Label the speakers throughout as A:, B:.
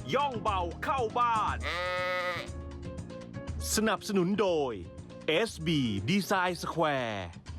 A: ย่องเบาเข้าบ้าน สนับสนุนโดย SB Design Square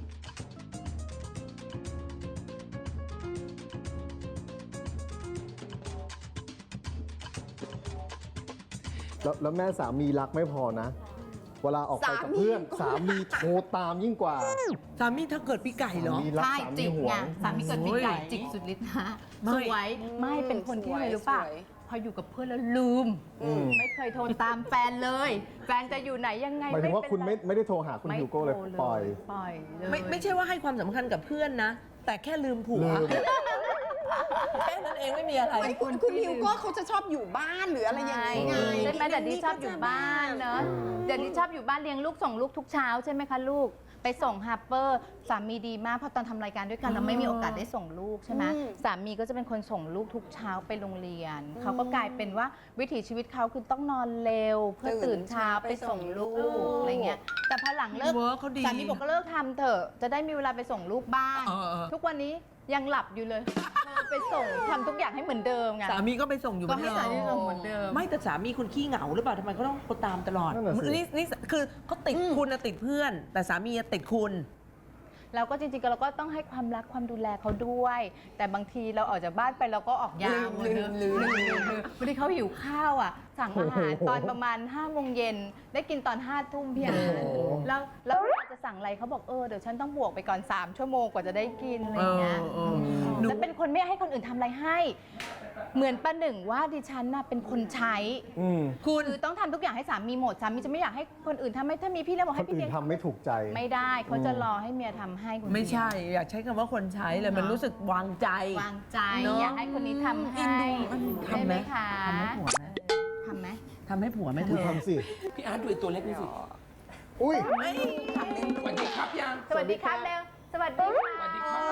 B: แล้วแม่สามีรักไม่พอนะ เวลาออกไปกับเพื่อนสามีโทรตามยิ่งกว่า
C: สามีเธอเกิดปีไก่เหรอ
B: สามีรัก
D: ใช่
B: สามี
D: จิก
B: หว
D: ไง
B: ง
D: สามีเกิดปีไก่จิกสุดฤทธิ์นะ
C: ไม่
D: สวยไม่เป็นคนที่อะไรรู้ป่ะ
E: สวย
D: พออยู่กับเพื่อนแล้วลืม ไม่เคยโทรตามแฟนเลย แฟนจะอยู่ไหนยังไง
B: หมายถึงว่าคุณไม่ได้โทรหาคุณ
D: ไม่
B: ฮิวโก้เลย
D: โทร
B: ปล่อย
D: ปล่อยเลย
C: ไม่ใช่ว่าให้ความสำคัญกับเพื่อนนะ แต่แค่ลืมผัว
B: ลืม
C: แค่นั้นเองไม่มีอะไร
E: ไม่คุณฮิวโก้เขาจะชอบอยู่บ้านหรืออะไรอย่างนี้ไง
D: ใช่ไหมแต่นี่ชอบอยู่บ้านเนอะเดี๋ยวนี้ชอบอยู่บ้านเลี้ยงลูกส่งลูกทุกเช้าใช่ไหมคะลูกไปส่งฮาร์เปอร์สามีดีมากเพราะตอนทำรายการด้วยกันเราไม่มีโอกาสได้ส่งลูกใช่ไหมสามีก็จะเป็นคนส่งลูกทุกเช้าไปโรงเรียนเขาก็กลายเป็นว่าวิถีชีวิตเขาคือต้องนอนเร็วเพื่อตื่นเช้าไปส่งลูกอะไรเงี้ยแต่พอหลังเลิก
C: เวิร์คเขาดี
D: สามีบอกก็เลิกทำเถอะจะได้มีเวลาไปส่งลูกบ้าง
C: เออ
D: ทุกวันนี้ยังหลับอยู่เลยไปส่งทำทุกอย่างให้เหมือนเดิมไง
C: สามีก็ไปส่งอยู่
D: ก็ให้สามีส่งเหมือนเดิม
C: ไม่แต่สามีคุณขี้เหงาหรือเปล่าทำไมเขาต้องตามตลอด
B: นั่นน่ะสิ
C: นี่คือเขาติดคุณนะติดเพื่อน แต่สามีติดคุณ
D: เราก็จริงๆเราก็ต้องให้ความรักความดูแลเขาด้วย แต่บางทีเราออกจากบ้านไปเราก็ออกยาว
E: ลืม
D: บางทีเขาหิวข้าวอ่ะ สั่งอาหารตอนประมาณ5 โมงเย็นได้กินตอน5 ทุ่มเพียงแล้วเวลาจะสั่งอะไรเขาบอกเดี๋ยวฉันต้องบวกไปก่อน3 ชั่วโมงกว่าจะได้กินอะไรอย่างเงี้ย
C: หนู
D: แล้วเป็นคนไม่ให้คนอื่นทำอะไรให้ เหมือนประหนึ่งว่าดิฉันน่ะเป็นคนใช้
C: คุณ
D: คือต้องทำทุกอย่างให้สามีหมดสามีจะไม่อยากให้คนอื่นทำให้ถ้ามีพี่แล้วบอก
B: ค
D: ให้
B: น
D: พี่
B: อื่น
D: เลี้ยง
B: ทำไม่ถูกใจ
D: ไม่ได้เขาจะรอให้เมียทำให้คุณ
C: ไม่ใช่ อยากใช้คำว่าคนใช้เลยมันรู้สึกวางใจ
D: วางใจ
C: เนอะ
D: อยากให้คนนี้ทำให้
C: ทำไหม
D: คะ
C: ทำให้ผัวไหม
D: ทำไหม
C: ทำให้ผัวไหมเธ
B: คุณ
C: อ
B: ทำสิ
F: พี่อาร์ตดูไอ้ตัวเล็กนี่สิ
B: อุ้ย
F: สวัสดีครับยัง
D: สวัสดีครับเร็วสวัสดีค่ะ
F: สวัสดีครับ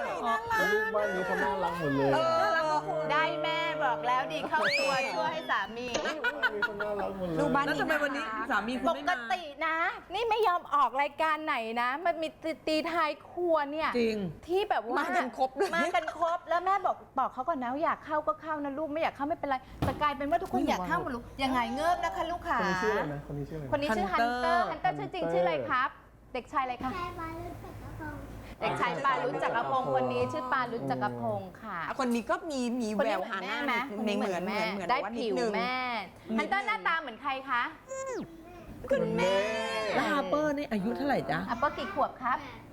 B: ลูกบ้านนี้เขาน่ารักหมดเลย
D: ได้แม่บอกแล้วดีเข้าตัวช่วยให้สามี
B: มีคนน่ารักหมดเลย
E: ลูกบ้าน
C: แล้วทำไมวันนี้สามีคุณ
D: ป
C: ไม่
D: ก
C: มา
D: ตินะ นี่ไม่ยอมออกรายการไหนนะ มันมีตีท้ายครัวเนี่ย
C: จริง
D: ที่แบบว่า
E: มา
D: มา
E: กันครบเลย
D: มากันครบแล้วแม่บอกเขาก่อนนะว่าอยากเข้าก็เข้านะลูกไม่อยากเข้าไม่เป็นไรแต่กลายเป็นว่าทุกคนอยากเข้าหมดลูกยังไงเงิบนะคะลูกขา
B: คนนี้ชื่ออะไรนะ คนนี้ชื่ออะไร
D: คนนี้ชื่อฮันเตอร์ฮันเตอร์ชื่อจริงชื่ออะไรครับ เด็กชายอะไรคะเด็กชายปารุจจักรพงศ์คนนี้ชื่อปารุจจักรพงศ์ค่ะ
E: คนนี้ก็มี
D: คน
E: แว
D: นี้
E: ว
D: เหมื
E: หา
D: อน
E: ห
D: แม่
E: น้า
D: ไหม
E: เหมือน
D: ได้
E: แต่ว่านิ
D: ผิ
E: ด
D: ว
E: นึง
D: แม่ฮันเตอร์หน้าตาเหมือนใครคะ
B: คุณแม่
C: แล้วฮาร์เปอร์นี่อายุเท่าไหร่จ๊ะ
D: อัปเปอร์กี่ขวบครับ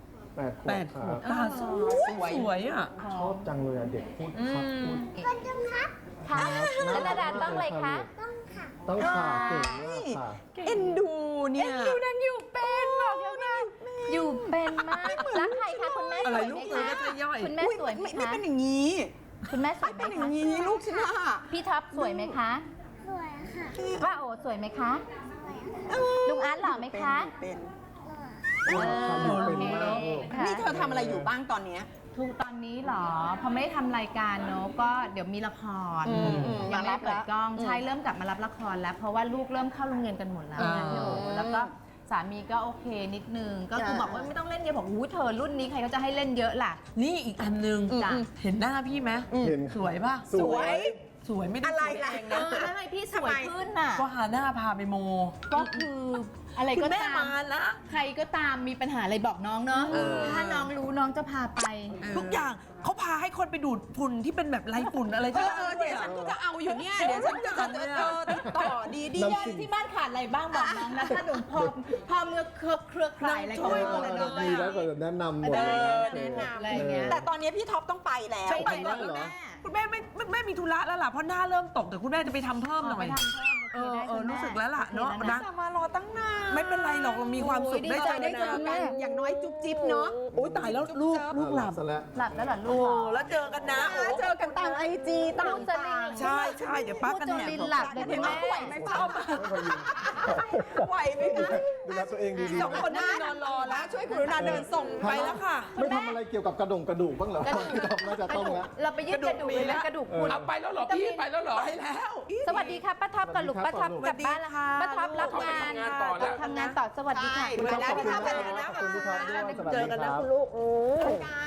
B: 8 ขวบ
C: 8 ขวบตาสวยอ่ะ
B: ชอบจังเลยอะเด็กพูดครับพูด
D: ค่ะแล้วนาดาต้องเลยคะ
B: ต้องขาเก่งมากค่ะ
E: เอ็นดูเนี่ย
D: อยู่นั่นอยู่เป็นบอกแล้วนะอยู่เป็นมากรักใครคะคุณแม่
C: อะ
D: ส
C: ไร
D: วย
C: ลู
D: ไหม
C: กเธอ
D: คะ
C: ก็จะย่อย
D: คุณแม่สวยไหม
E: ไม่
D: คะ
E: เป็นอย่างนี้
D: คุณแม่สวยไหม
E: เป็นอย่า
D: คะ
E: งนี้ลูกฉันน่ะ
D: พี่ท็อปสวยไหมคะสวยค่ะป้าโอสวยไหมคะลุงอาร์ตหล่อไหมคะ
E: เป็น
D: เออ
B: อยู่
D: โอ
B: เป็น
D: เค
B: มากลูก
D: ค่ะ
E: นี่เธอทำอะไรอยู่บ้างตอนเนี้ย
D: ทุกตอนนี้เหรอพอไม่ได้ทำรายการเนอะก็เดี๋ยวมีละคร ยังไม่ได้เปิดกล้องใช่เริ่มกลับมารับละครแล้ว เพราะว่าลูกเริ่มเข้าโรงเรียนกันหมดแล้วนะพี่โอแล้วก็สามีก็โอเคนิดนึงก็คือบอกว่าไม่ต้องเล่นเยอะบอกอู้เธอรุ่นนี้ใครก็จะให้เล่นเยอะล่ะ
C: นี่อีกอันหนึง
D: จ้ะ
C: เห็นหน้าพี่ไหม
B: เห็น
C: สวยป่ะ
B: สวย
C: สวยไม่ได้
E: อะไร
C: สวย
E: ล่ะ
C: เอง
D: เอ
C: นะ
D: อทำไมพี่สวยขึ้นน่ะ
C: ก็หาหน้าพาไปโม
D: ก็คืออะไร
C: คุ
D: ก็
C: ณแม่
D: ตาม
C: มาละ
D: ใครก็ตามมีปัญหาอะไรบอกน้องเนาะถ้าน้องรู้น้องจะพาไป
C: ทุกอย่างเขาพาให้คนไปดูดฝุ่นที่เป็นแบบไรฝุ่นอะไรที่บ้านด้ว
E: เดี๋
C: ย
E: ยว
C: อะ
E: ฉันก็จะเอาอยู่เนี่ยเดี๋ยวฉันจะติดต่อดี
B: น้ำสิ่ง
D: ที่บ้านขาดอะไรบ้างบอกน้องนะถ้าหนูพอเมื่อเครือข่ายอะไรก็
C: ช่วย
D: ไม่
C: หมด
D: เลย
C: เลย
B: มีแล้วก็แนะนำหมดเลย
E: แนะน
D: อะไรอย่างเงี้ย
E: ำแต่ตอนนี้พี่ท็อปต้องไปแล้ว
D: ไป
B: ทำได้เหรอ
C: คุณแม่ไม่มีธุระแล้วล่ะเพราะหน้าเริ่มตกแต่คุณแม่จะไปทำเพิ่มหน่อย
D: ไปทำเพิ่ม
C: รู้สึกแล้วล่ะเนาะ
E: นะมารอตั้งนาน
C: ไม่เป็นไรหรอกเรามีความสุขได้
E: ได้เจอกันอย่างน้อยจุ๊บจิ๊บเนาะ
C: โอ้ยตายแล้วลูกหลับ
B: ซะแล้ว
D: หลับแล้วเหรอลู
C: โอ้
D: ก
C: แล้วเจอกันนะโอ้
E: เจอกันตามไอจีต่าง
D: ลูกจะลิง
C: ใช่เดี๋ยวป้ากัน
D: พูดจ
C: แห
D: น
C: ก
D: ลินหลับเลยคุณแม่
E: ไหวไหมป้า ไหวไหมคะ
B: ดูแลตัวเองดีๆ
C: สองคนนั่งนอนรอแล้ว
E: ช่วยกรุณาเดินส่ง
C: ไปแล้วค่ะ
B: ไม่ทำอะไรเกี่ยวกับกระดูกบ้างเหรอน่าจะต้องแล้ว
D: เราไปยืดกระดูกเลยนะกระดูกคุณ
F: เอาไปแล้วเหรอพี่ไปแล้วเหรอ
C: ไปแล้ว
D: สวัสดีค่ะป้าท็อปกับลูกป้าท็อปกลับบ้านแล้วค่ะป้าท็อปรับงาน
F: ต่อแล้ว
D: ทำงานต่อสวัสดีค่ะ
E: ไปแล้วพี่ท็อปไปแล้วนะ
B: ขอบคุณพี่ท็อปด้วยสวัสดี
C: เจอกัน
B: ค
C: นะ
B: รับ
C: คุณลูก
E: ฮันเตอร์ไป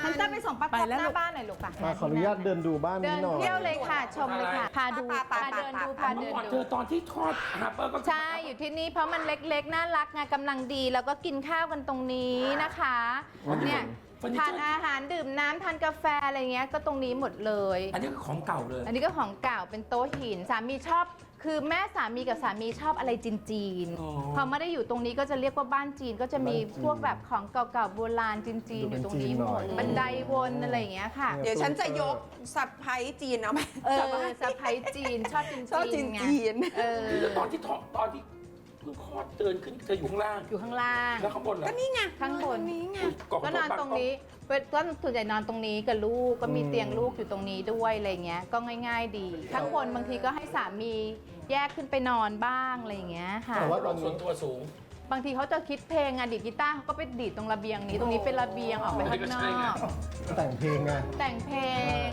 D: ส่งป้า
C: ไป
D: ท็อป
C: แล้ว
D: ห
C: ลู
D: น้าก บ้านหน่อยลูกป่ะ
B: ขออนุญาตเดินดูบ้าน
D: เดิ
B: นี้
D: น
B: หน่อย
D: เที่ยวเลยค่ะ ชมเลยค่ะ พาดูพาเดินดูพาเดิน
F: ก่อนเธ
D: ดู
F: อตอนที่ทอดฮาร์เปอร์ก็
D: ใช่ อยู่ที่นี่เพราะมันเล็กๆ น่ารักไงกำลังดี แล้วก็กินข้าวกันตรงนี้นะคะเนี่ยทานอาหารดื่มน้ำทานกาแฟอะไรเงี้ยก็ตรงนี้หมดเลย
F: อันนี้คือของเก่าเลย
D: อันนี้ก็ของเก่าเป็นโต๊ะหินสามีชอบ คือแม่สามีกับสามีชอบอะไรจีน
F: อ๋อ
D: ๆพอไม่ได้อยู่ตรงนี้ก็จะเรียกว่าบ้านจีนก็จะมีพวกแบบของเก่าๆโบราณจีนๆอยู่ตรงนี้หมดบันไดวนอะไรอย่างเงี้ยค่ะ
E: เดี๋ยวฉันจะยกสะพ้ายจีนเอาไหม
D: สะพ้ายจีนชอบจีน
E: ชอบจีน
D: ไง
E: จีน
F: แล้วตอนที่เพิ่งคลอดเดินขึ้นเธออยู่ข้างล่าง
D: อยู่ข้างล่าง
F: แล้วข้างบนเหรอ
E: ก็นี่ไง
D: ข้างบน
E: นี้ไง
D: ก็นอนตรงนี้ก็ส่วนใหญ่นอนตรงนี้กับลูกก็มีเตียงลูกอยู่ตรงนี้ด้วยอะไรเงี้ยก็ง่าย ๆ ดีข้างบนบางทีก็ให้สามีแยกขึ้นไปนอนบ้างอะไรอย่างเงี้ยค่ะ
B: แต่ว่าต
F: ร
B: อ
F: ถ
B: น
F: ส่ว
B: นี้
F: นตัวสูง
D: บางทีเขาจะคิดเพลงอะดีดกีตาร์เขาก็ไปดีดตรงระเบียงนี้ตรงนี้เป็นระเบียงออกไปข้างน
F: ใช่ไง
D: อก
B: แต่งเพลงไง
D: แต่งเพลง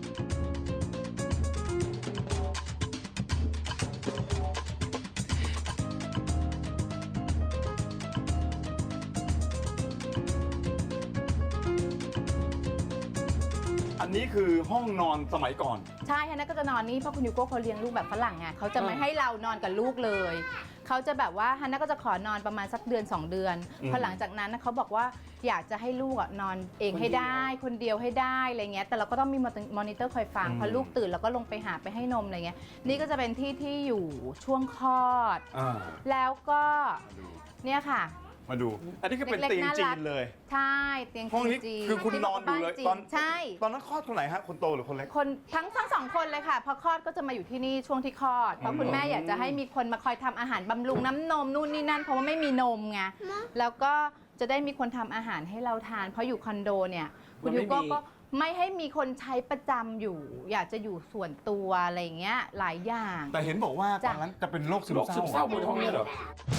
G: อันนี้คือห้องนอนสมัยก่อน
D: ใช่ฮันน่าก็จะนอนนี่เพราะคุณยูโก้เขาเลี้ยงลูกแบบฝรั่งไงเขาจะไม่ให้เรานอนกับลูกเลยเขาจะแบบว่าฮันน่าก็จะขอนอนประมาณสักเดือน 2 เดือนพอหลังจากนั้นนะเขาบอกว่าอยากจะให้ลูกอะนอนเองให้ได้คนเดียวให้ได้อะไรเงี้ยแต่เราก็ต้องมีมอนิเตอร์คอยฟังพอลูกตื่นเราก็ลงไปหาไปให้นมอะไรเงี้ยนี่ก็จะเป็นที่ที่อยู่ช่วงคลอด แล้วก็เนี่ยค่ะ
G: มาดู อันนี้คือเป็น
D: เล็กๆ
G: เตียง
D: น่า
G: จี
D: รัก
G: นเลย
D: ใช่เตียง
G: ห้องนี้
D: จีน
G: คือคุณนอนอยู่เลย
D: จี
G: ตอน
D: ใช่
G: ตอนนั้นคลอดคนไหนฮะ คนโตหรือคนเล็ก
D: คนทั้งสองคนเลยค่ะพอคลอดก็จะมาอยู่ที่นี่ช่วงที่คลอดเพราะคุณแม่อยากจะให้มีคนมาคอยทำอาหารบำรุงน้ำนมนู่นนี่นั่นเพราะว่าไม่มีนมไงแล้วก็จะได้มีคนทำอาหารให้เราทาน เพราะอยู่คอนโดเนี่ยคุณยูโก้ก็ไม่ให้มีคนใช้ประจำอยู่ อยากจะอยู่ส่วนตัวอะไรอย่างเงี้ยหลายอย่าง
G: แต่เห็นบอกว่าต
D: จ้ะ
G: อนนั้นจะเป็นโรคซึ
F: โร
G: ม
F: คซึม
G: เศ
F: เศร้า
G: ร้า
F: บนห้องเนี้เหรอ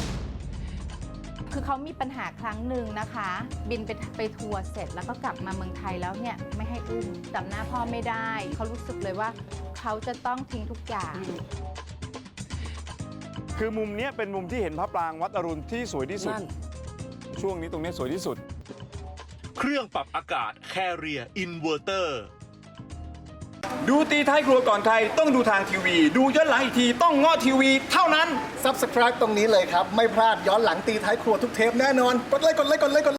D: คือเขามีปัญหาครั้งหนึ่งนะคะ บินไปทัวร์เสร็จแล้วก็กลับมาเมืองไทยแล้วเนี่ยไม่ให้อุ้มจำหน้าพ่อไม่ได้เขารู้สึกเลยว่าเขาจะต้องทิ้งทุกอย่าง
G: คือมุมเนี้ยเป็นมุมที่เห็นพระปรางวัดอรุณที่สวยที่สุด
F: นั่น
G: ช่วงนี้ตรงเนี้ยสวยที่สุด
A: เครื่องปรับอากาศ Carrier Inverter
G: ดูตีท้ายครัวก่อนใครต้องดูทางทีวี ดูย้อนหลังอีกทีต้องง้อทีวีเท่านั้น
B: Subscribe ตรงนี้เลยครับ ไม่พลาดย้อนหลังตีท้ายครัวทุกเทปแน่นอน กดไลค์